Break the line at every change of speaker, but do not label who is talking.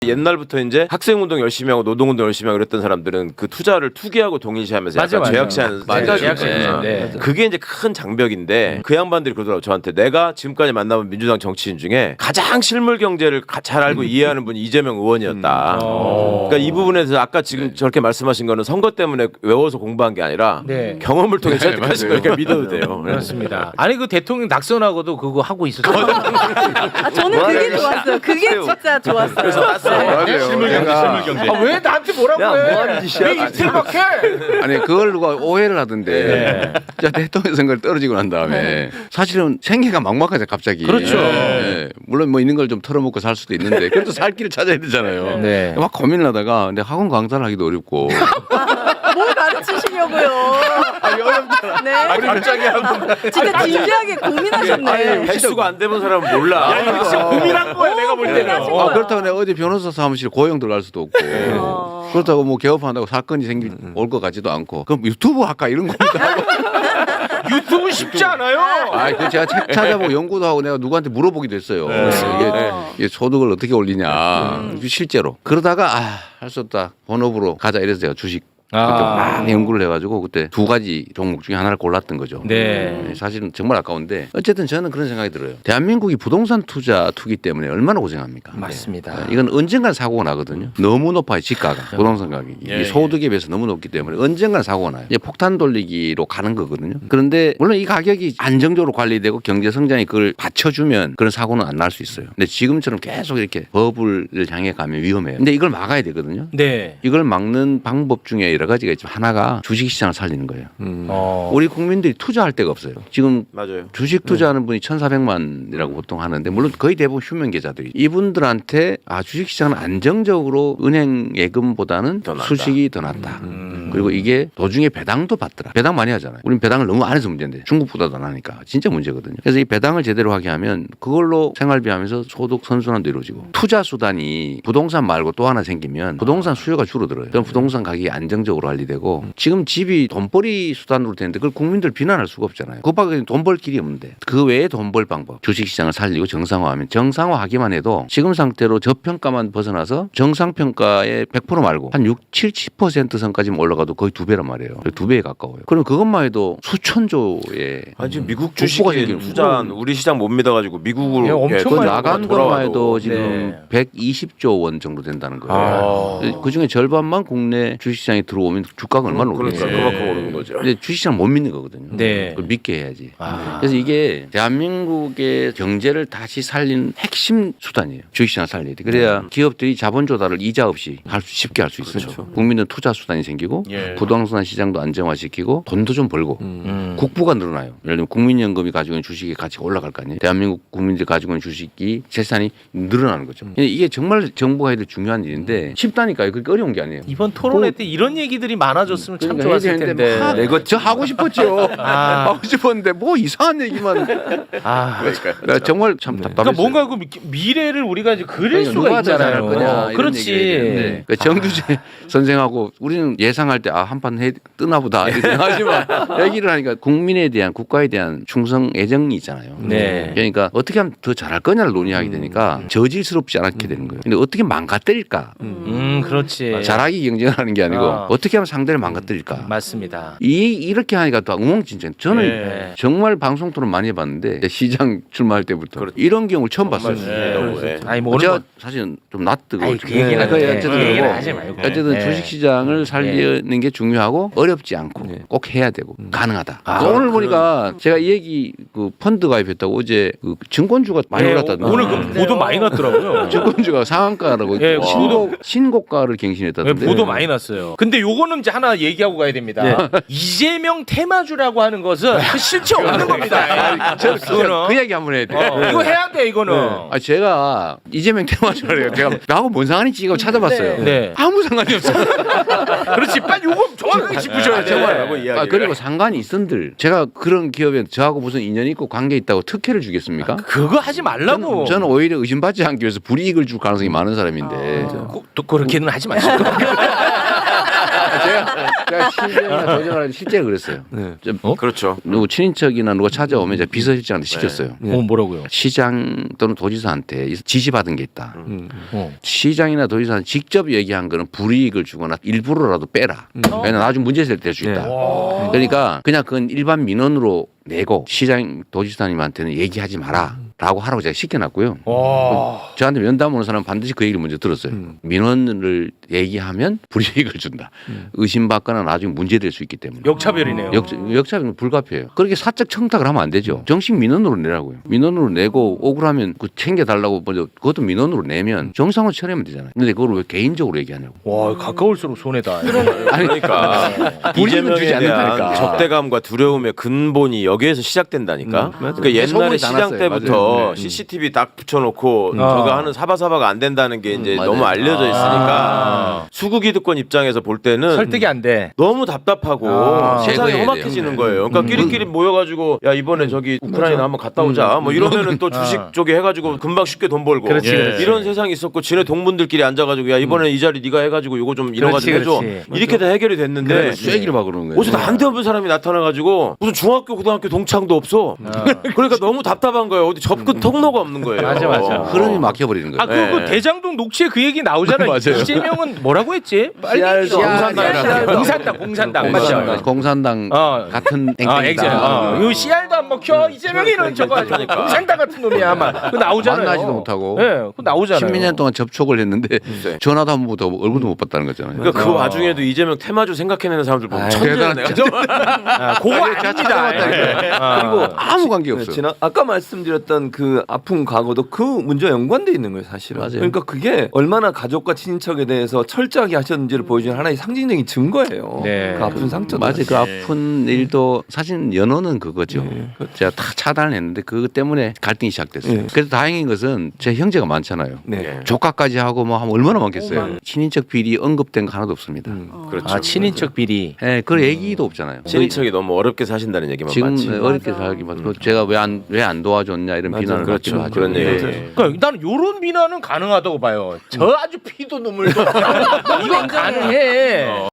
옛날부터 이제 학생운동 열심히 하고 노동운동 열심히 하고 그랬던 사람들은 그 투자를 투기하고 동일시하면서 약간 죄악시하는 생각이 있어요.
네.
그게 이제 큰 장벽인데 그 양반들이 그러더라고 저한테. 내가 지금까지 만나본 민주당 정치인 중에 가장 실물 경제를 잘 알고 이해하는 분이 이재명 의원이었다. 그러니까 이 부분에 대해서 아까 지금 저렇게 말씀하신 거는 선거 때문에 외워서 공부한 게 아니라 경험을 통해 설득하신 거니까 믿어도 돼요.
그렇습니다. 아니 그 대통령 낙선하고도 그거 하고 있었어요.
저는 그게 좋았어요. 그게 진짜 좋았어요.
그래서
실물 경제.
왜 나한테 뭐라고 해? 왜 이틀밖에?
아니 그걸 누가 오해를 하던데 자 대통령 선거를 떨어지고 난 다음에 사실은 생계가 막막하죠 갑자기.
그렇죠.
물론 뭐 있는 걸 좀 털어먹고 살 수도 있는데 그래도 살 길을 찾아야 되잖아요.
네.
막 고민을 하다가 근데 학원 강사를 하기도 어렵고
뭘 가르치시려고요? 네.
갑자기 하고.
진짜 진지하게 고민하셨네.
횟수가 안 되는 사람은 몰라.
이거 진짜 고민한 거야 내가 볼 때는.
고민하신 거야.
그렇다고 내가 어디 변호사 사무실 고용 들어갈 수도 없고 그렇다고 뭐 개업한다고 사건이 올 것 같지도 않고 그럼 유튜브 할까 이런 겁니다.
유튜브 쉽지 않아요.
그 제가 책 찾아보고 연구도 하고 내가 누구한테 물어보기도 했어요. 이게 소득을 어떻게 올리냐 실제로 그러다가 할 수 없다 본업으로 가자 이래서 제가 주식 그때 막 연구를 해가지고 그때 두 가지 종목 중에 하나를 골랐던 거죠.
네.
사실은 정말 아까운데 어쨌든 저는 그런 생각이 들어요. 대한민국이 부동산 투기 때문에 얼마나 고생합니까?
맞습니다.
이건 언젠간 사고가 나거든요. 너무 높아요 지가가 부동산 가격이 이 소득에 비해서 너무 높기 때문에 언젠간 사고가 나요. 이제 폭탄 돌리기로 가는 거거든요. 그런데 물론 이 가격이 안정적으로 관리되고 경제 성장이 그걸 받쳐주면 그런 사고는 안 날 수 있어요. 근데 지금처럼 계속 이렇게 버블을 향해 가면 위험해요. 근데 이걸 막아야 되거든요.
네.
이걸 막는 방법 중에 여러 가지가 있지만 하나가 주식시장을 살리는 거예요. 우리 국민들이 투자할 데가 없어요. 지금
맞아요.
주식 투자하는 분이 1,400만이라고 보통 하는데 물론 거의 대부분 휴면 계좌들이 이분들한테 주식시장은 안정적으로 은행 예금보다는
더 낫다.
수식이 더 낫다. 그리고 이게 도중에 배당도 받더라. 배당 많이 하잖아요. 우린 배당을 너무 안 해서 문제인데 중국보다도 안 하니까 진짜 문제거든요. 그래서 이 배당을 제대로 하게 하면 그걸로 생활비하면서 소득 선순환도 이루어지고 투자 수단이 부동산 말고 또 하나 생기면 부동산 수요가 줄어들어요. 그럼 부동산 가격이 안정적으로 관리되고 지금 집이 돈벌이 수단으로 되는데 그걸 국민들 비난할 수가 없잖아요. 그 밖에 돈 벌 길이 없는데 그 외에 돈 벌 방법 주식시장을 살리고 정상화하면 정상화하기만 해도 지금 상태로 저평가만 벗어나서 정상평가의 100% 말고 한 70% 선까지 올라가도 거의 2배란 말이에요. 2배에 가까워요. 그럼 그것만 해도 수천조의
지금 미국
복구가
주식에
생기는
투자한 우리 시장 못 믿어가지고 미국으로
엄청
그
많이
나간 것만 해도 지금
네.
120조 원 정도 된다는 거예요. 그중에 절반만 국내 주식시장에 들어오면 주가가 얼마나
그러니까
오르겠어요.
그만큼 오르는 거죠.
근데 주식시장 못 믿는 거거든요.
네.
그걸 믿게 해야지. 그래서 이게 대한민국의 경제를 다시 살린 핵심 수단이에요. 주식시장 살려야 돼. 그래야 기업들이 자본 조달을 이자 없이 쉽게 할 수 있어요.
그렇죠.
국민은 투자 수단이 생기고 부동산 시장도 안정화시키고 돈도 좀 벌고 국부가 늘어나요. 예를 들면 국민연금이 가지고 있는 주식의 가치가 올라갈 거 아니에요. 대한민국 국민들이 가지고 있는 주식이 재산이 늘어나는 거죠. 근데 이게 정말 정부가 해야 될 중요한 일인데 쉽다니까요. 그렇게 어려운 게 아니에요.
이번 토론회 때 이런 얘기들이 많아졌으면 참
그러니까
좋았을
해야 되는데
텐데.
막 이거 저 하고 싶었죠. 하고 싶었는데 뭐 이상한 얘기만. 나 정말 참 답답했어요.
그러니까 뭔가 그 미래를 우리가 이제 그릴
그러니까
수가
누가 더 잘할
있잖아요.
거냐 이런
그렇지.
얘기를 해야 되는데 그러니까 정규재 선생하고 우리는 예상할 때 한판 뜨나보다 이렇게 생각하지만 얘기를 하니까 국민에 대한 국가에 대한 충성 애정이 있잖아요.
네.
그러니까 어떻게 하면 더 잘할 거냐를 논의하게 되니까 저질스럽지 않게 되는 거예요. 근데 어떻게 망가뜨릴까?
그렇지.
잘하기 경쟁을 하는 게 아니고 어떻게 하면 상대를 망가뜨릴까?
맞습니다.
이렇게 하니까 또 엉망진창. 저는
네.
정말 방송 토론 많이 해봤는데 시장 출마할 때부터 이런 경우를 처음 봤어요.
아니 뭐
제가
오늘
사실 좀 낯뜨고
아니, 그 얘기는
어쨌든
그 얘기는
그러고
하지 말고.
어쨌든
네.
주식시장을 살리는 게 중요하고 어렵지 않고 꼭 해야 되고 가능하다. 오늘 보니까 제가 이 얘기 그 펀드 가입했다고 어제 그 증권주가 많이 올랐다던데.
오늘 그 보도 많이 났더라고요.
증권주가 상한가라고
네,
신고가를 갱신했다던데.
보도 많이 났어요. 근데 요거는 이제 하나 얘기하고 가야 됩니다. 이재명 테마주라고 하는 것은 그 실체 없는 겁니다.
저는 그 얘기 한번 해야 돼.
이거 해야 돼 이거는.
제가 이재명 테마주래요. 제가 나하고 뭔 상관인지 이거 찾아봤어요.
네.
아무 상관이 없어요.
그렇지. 빨리 요거 정확하게 짚으셔야 돼.
정말. 그리고 상관이 있은들 제가 그런 기업에 저하고 무슨 인연이 있고 관계 있다고 특혜를 주겠습니까?
그거 하지 말라고.
저는 오히려 의심받지 않기 위해서 불이익을 줄 가능성이 많은 사람인데
또 그렇게는 하지 마시고.
시장이나 도지사는 실제 그랬어요.
네.
그렇죠.
누구 친인척이나 누가 찾아오면 이제 비서실장한테 시켰어요.
뭐라고요?
시장 또는 도지사한테 지시받은 게 있다.
어.
시장이나 도지사는 직접 얘기한 거는 불이익을 주거나 일부러라도 빼라. 왜냐면 나중에 문제 될 수 있다. 그러니까 그냥 그건 일반 민원으로 내고 시장 도지사님한테는 얘기하지 마라. 라고 하라고 제가 시켜놨고요. 저한테 면담 오는 사람은 반드시 그 얘기를 먼저 들었어요. 민원을 얘기하면 불이익을 준다. 의심받거나 나중에 문제될 수 있기 때문에.
역차별이네요.
역차별은 불가피해요. 그렇게 사적 청탁을 하면 안 되죠. 정식 민원으로 내라고요. 민원으로 내고 억울하면 그 챙겨달라고 먼저 그것도 민원으로 내면 정상으로 처리하면 되잖아요. 근데 그걸 왜 개인적으로 얘기하냐고.
와 가까울수록 손해다.
아니
그러니까
불이익은 주지
이재명에 대한
않는다니까.
적대감과 두려움의 근본이 여기에서 시작된다니까. 그러니까 옛날에
소문이 다
시장
났어요.
때부터
맞아요.
CCTV 딱 붙여놓고 저거 하는 사바사바가 안 된다는 게 이제
맞아요.
너무 알려져 있으니까 수구 기득권 입장에서 볼 때는
설득이 안 돼.
너무 답답하고 세상이
제거해야
험악해지는
돼요.
거예요. 그러니까 끼리끼리 모여가지고 야 이번에 저기 우크라이나 한번 갔다 오자. 뭐 이러면은 또 주식 쪽에 해가지고 금방 쉽게 돈 벌고
그렇지, 그렇지.
이런 세상이 있었고 지네 동문들끼리 앉아가지고 야 이번에 이 자리 네가 해가지고 이거 좀 이뤄가지고 해줘.
그렇지.
이렇게 다 해결이 됐는데
쐐기를 막 그러는 거예요.
어디서 난데없는 사람이 나타나가지고 무슨 중학교 고등학교 동창도 없어. 그러니까 너무 답답한 거예요. 어디 접근 통로가 없는 거예요.
맞아.
흐름이 막혀버리는 거예요.
아 그 대장동 녹취에 그 얘기 나오잖아요.
맞아요.
이재명은 뭐라고 했지? 빨리 공산당 맞죠?
공산당
어.
같은
엑셀.
땡땡이다.
요 씨알도 안 먹혀. 이재명이는 저거 공산당 같은 놈이야. 아마 그 나오잖아요.
만나지도 못하고.
예, 그 나오잖아요.
십몇 년 동안 접촉을 했는데 전화도 한 번도 얼굴도 못 봤다는 거잖아요.
그러니까 그 와중에도 이재명 테마주 생각해내는 사람들 보면 천재야 내가.
그거 아닙니다.
그리고 아무 관계
네,
없어요.
아까 말씀드렸던 그 아픈 과거도 그 문제와 연관돼 있는 거예요, 사실은.
맞아요.
그러니까 그게 얼마나 가족과 친인척에 대해서 철저하게 하셨는지를 보여주는 하나의 상징적인 증거예요.
네.
그 아픈 상처도.
맞아요. 그 아픈 일도 사실 연호는 그거죠. 제가 다 차단을 했는데 그것 때문에 갈등이 시작됐어요.
네.
그래서 다행인 것은 제 형제가 많잖아요.
네.
조카까지 하고 뭐 하면 얼마나 많겠어요. 친인척 비리 언급된 거 하나도 없습니다.
그렇죠.
아 친인척 비리.
예, 그 얘기도 없잖아요.
친인척이 너무 어렵게 사신다는 얘기만
지금
많지.
어렵게 살기만 그 제가 왜 안 도와줬냐 이런 비난을
그렇죠.
받기도 하죠.
그런 얘기.
네.
그러니까 나는 요런 비난은 가능하다고 봐요. 저 아주 피도 눈물도 이건 가능해.